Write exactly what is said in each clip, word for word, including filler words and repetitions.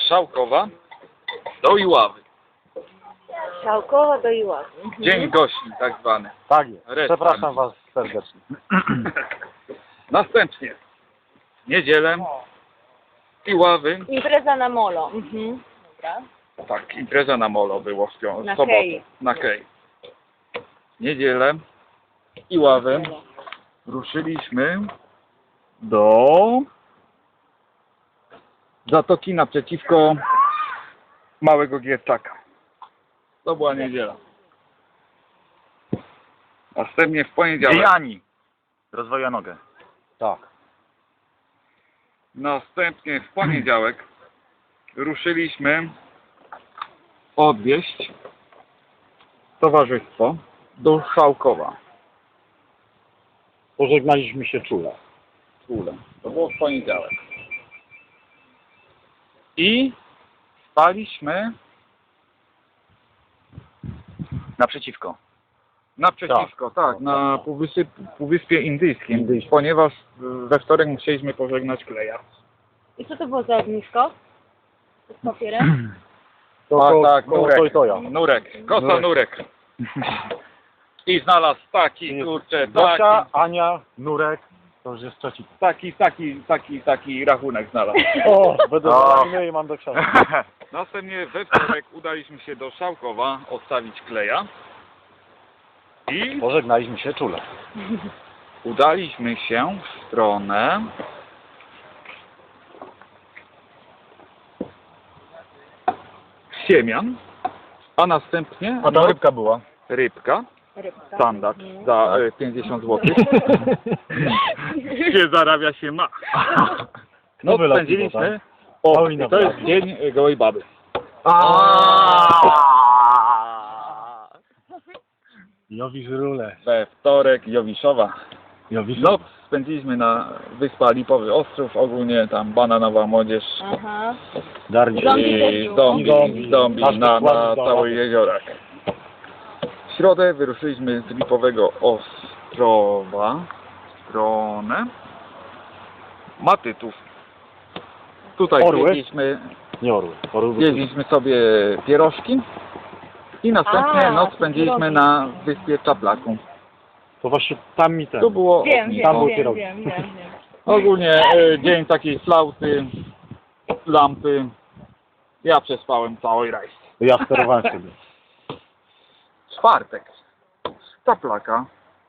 Szałkowa do Iławy. Szałkowa do Iławy. Dzień gości tak zwany. Tak jest. Resta. Przepraszam was serdecznie. Następnie w niedzielę Iławy. Impreza na molo. Mhm. Dobra. Tak, impreza na molo było w pią- Na sobotę. Kej. Na Kej. Niedzielę Iławy ruszyliśmy do Zatoki naprzeciwko Małego Gierczaka. To była niedziela. Następnie w poniedziałek. Ani. Rozwoja nogę. Tak. Następnie w poniedziałek ruszyliśmy odwieźć towarzystwo do Szałkowa. Pożegnaliśmy się czule. Czule. To było w poniedziałek. I spaliśmy Naprzeciwko. naprzeciwko, tak, tak na Półwysp, Półwyspie Indyjskim, Indyjskim. ponieważ we wtorek musieliśmy pożegnać Kleja. I co to było za ognisko? Z papierem? To, tak, to, tak, to, nurek, to i to ja. nurek, kosa nurek. Nurek. I znalazł taki, kurczę, Zosia, taki, Ania, Nurek. To już jest trzeci. taki, taki, taki, taki rachunek znalazł. O, będę O. zamieniony i mam do książki. Następnie we wtorek udaliśmy się do Szałkowa odstawić Kleja i Pożegnaliśmy się czule. udaliśmy się w stronę Siemian, a następnie A ta rybka była. rybka, Rybka. standard Mhm. za e, pięćdziesiąt złotych. Gdzie zarabia się ma. No To wyleciło, spędziliśmy, tak? o, Paulina to jest była. dzień e, gołej baby. Jowisz rule. We wtorek Jowiszowa. Jowisz Noc spędziliśmy na Wyspa Lipowy Ostrów, ogólnie tam bananowa młodzież Aha. Darni. Zombie i też było. zombie, Zombie. zombie Aż na, dokładnie na do całych lasu. jeziorach. W środę wyruszyliśmy z Lipowego Ostrowa w stronę Matytów. Tutaj Orły? jedliśmy, Nie orły. Orły były jedliśmy sobie pierożki i następnie A, noc to spędziliśmy pierogi. na wyspie Czaplaku. To właśnie tam mi ten. Tu było Wiem, ognisko. Tam był wiem, wiem, pierogi. wiem, wiem, wiem. Ogólnie e, dzień takiej flauty, lampy. Ja przespałem cały rajs. Ja sterowałem sobie. Czwartek. Z Czaplaka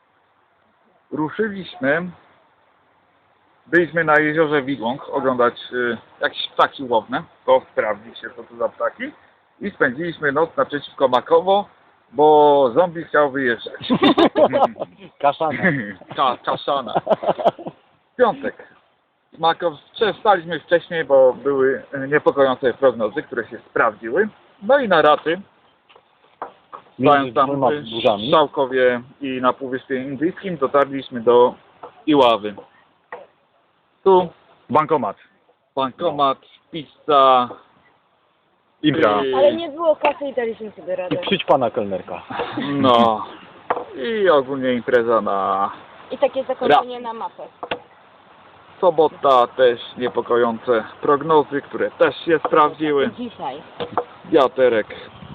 ruszyliśmy. Byliśmy na jeziorze Wigłąg oglądać y, jakieś ptaki łowne. To sprawdzić się, co to za ptaki. I spędziliśmy noc naprzeciwko Makowo, bo zombie chciał wyjeżdżać. Kaszana. Ka kaszana. Piątek. Makow, wstaliśmy wcześniej, bo były niepokojące prognozy, które się sprawdziły. No i na raty, Między stając tam dwoma w burzami. Szałkowie i na Półwyspie Indyjskim, dotarliśmy do Iławy. Tu Bankomat. bankomat, pizza, Impra. i- Ale nie było kasy i daliśmy sobie radę. I przyjdź pana kelnerka. no i ogólnie impreza na I takie zakończenie na mapę. sobota, też niepokojące prognozy, które też się sprawdziły. Dzisiaj. Wiaterek.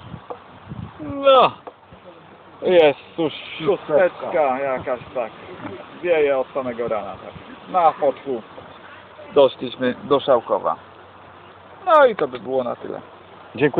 No. Jest cóż, szósteczka jakaś tak. Wieje od samego rana. Tak. Na fotku doszliśmy do Szałkowa. No i to by było na tyle. Dziękuję.